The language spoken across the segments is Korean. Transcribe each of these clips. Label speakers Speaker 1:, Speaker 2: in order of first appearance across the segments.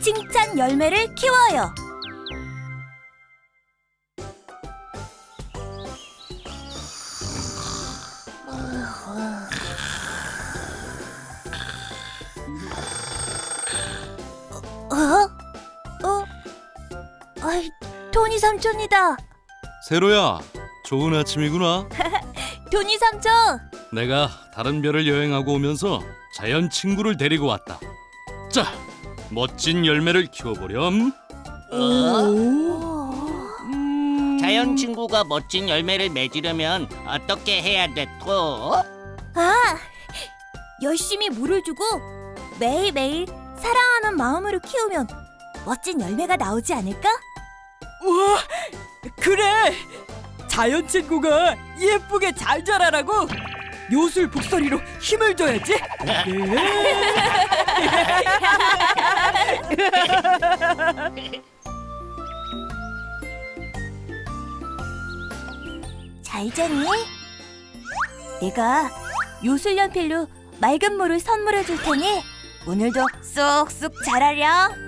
Speaker 1: 칭찬 열매를 키워요. 토니 삼촌이다.
Speaker 2: 세로야, 좋은 아침이구나.
Speaker 1: 토니 삼촌.
Speaker 2: 내가 다른 별을 여행하고 오면서 자연 친구를 데리고 왔다. 자, 멋진 열매를 키워보렴.
Speaker 3: 자연 친구가 멋진 열매를 맺으려면 어떻게 해야 돼, 토?
Speaker 1: 열심히 물을 주고 매일매일 사랑하는 마음으로 키우면 멋진 열매가 나오지 않을까?
Speaker 4: 우와, 그래! 자연 친구가 예쁘게 잘 자라라고 요술 북소리로 힘을 줘야지.
Speaker 1: 잘 자니? 내가 요술 연필로 맑은 물을 선물해 줄 테니 오늘도 쏙쏙 자라렴.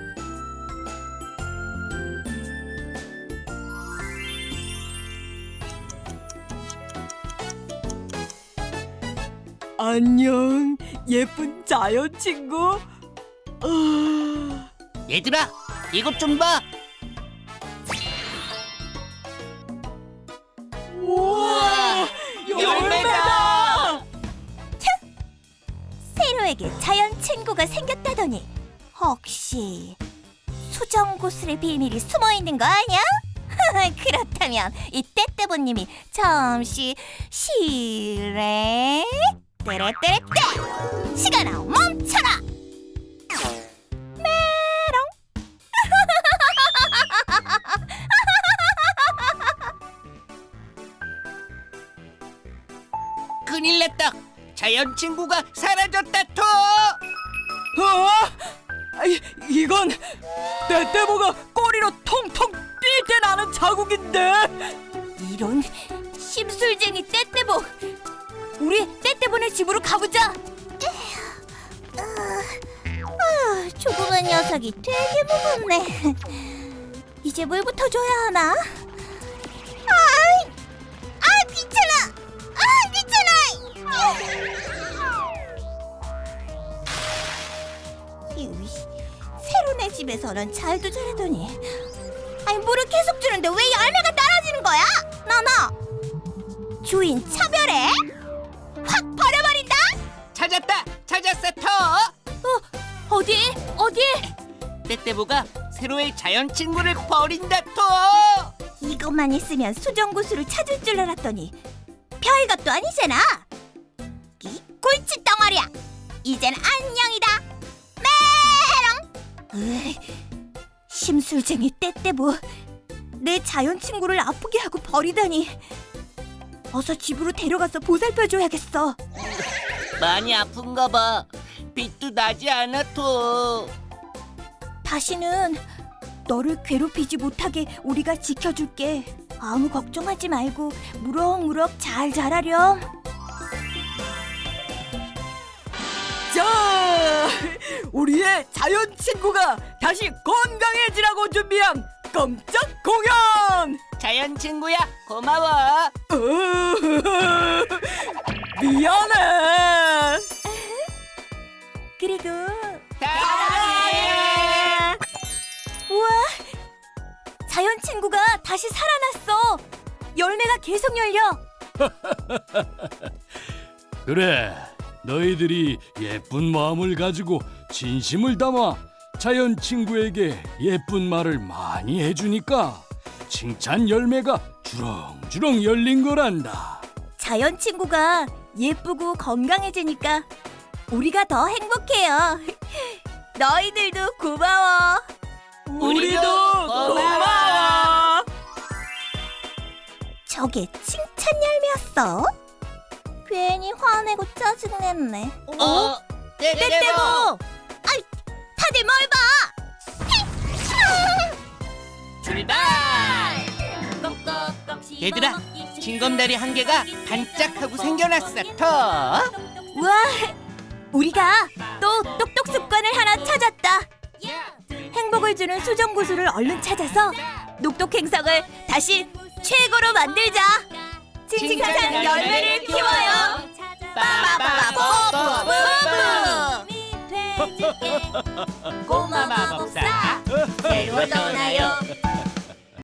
Speaker 4: 안녕, 예쁜 자연 친구.
Speaker 3: 얘들아, 이것 좀 봐.
Speaker 4: 우와, 열매다!
Speaker 1: 세로에게 자연 친구가 생겼다더니 혹시 수정구슬의 비밀이 숨어 있는 거 아니야? 그렇다면 이 떼떼보님이 잠시 실례. 떼레떼레떼! 시간아 멈춰라! 메롱!
Speaker 3: 큰일 났다. 자연 친구가 사라졌다, 토!
Speaker 4: 이건 떼떼보가 꼬리로 통통 뛸 때 나는 자국인데.
Speaker 1: 이런 심술쟁이 떼떼보! 우리 떼떼보네 집으로 가보자! 조그만 녀석이 되게 무겁네. 이제 물부터 줘야 하나? 귀찮아! 세로네 집에서는 잘도 자라더니 물을 계속 주는데 왜 열매가 떨어지는 거야? 나나 주인 차별해? 확 버려버린다?
Speaker 3: 찾았어, 토!
Speaker 1: 어디?
Speaker 3: 떼떼보가 세로의 자연 친구를 버린다, 토!
Speaker 1: 이것만 있으면 수정구슬을 찾을 줄 알았더니 별것도 아니잖아. 이 골치 덩어리야. 이젠 안녕이다. 메롱. 심술쟁이 떼떼보. 내 자연 친구를 아프게 하고 버리다니. 어서 집으로 데려가서 보살펴줘야겠어.
Speaker 3: 많이 아픈가 봐. 빛도 나지 않아, 토.
Speaker 1: 다시는 너를 괴롭히지 못하게 우리가 지켜줄게. 아무 걱정하지 말고 무럭무럭 잘 자라렴.
Speaker 4: 자, 우리의 자연 친구가 다시 건강해지라고 준비한 깜짝 공연!
Speaker 3: 자연 친구야, 고마워.
Speaker 4: 미안해.
Speaker 1: 그리고
Speaker 3: 사랑해.
Speaker 1: 우와! 자연 친구가 다시 살아났어. 열매가 계속 열려.
Speaker 2: 그래, 너희들이 예쁜 마음을 가지고 진심을 담아 자연 친구에게 예쁜 말을 많이 해주니까 칭찬 열매가 주렁주렁 열린 거란다.
Speaker 1: 자연 친구가 예쁘고 건강해지니까 우리가 더 행복해요. 너희들도 고마워.
Speaker 4: 우리도 고마워.
Speaker 1: 저게 칭찬 열매였어? 괜히 화내고 짜증냈네.
Speaker 3: 떼떼보!
Speaker 1: 아이, 다들 뭘 봐?
Speaker 3: 출발! 얘들아, 징검다리 한 개가 반짝하고 생겨났어, 토!
Speaker 1: 우와, 우리가 또 똑똑 습관을 하나 찾았다. 행복 행복을 주는 수정구슬을 얼른 찾아서 녹독 행성을 다시 최고로 만들자. 칭칭찬 열매를 키워요. 빠바바바뽀뽀뽀뽀. 꼬마 마법사 새로 떠나요.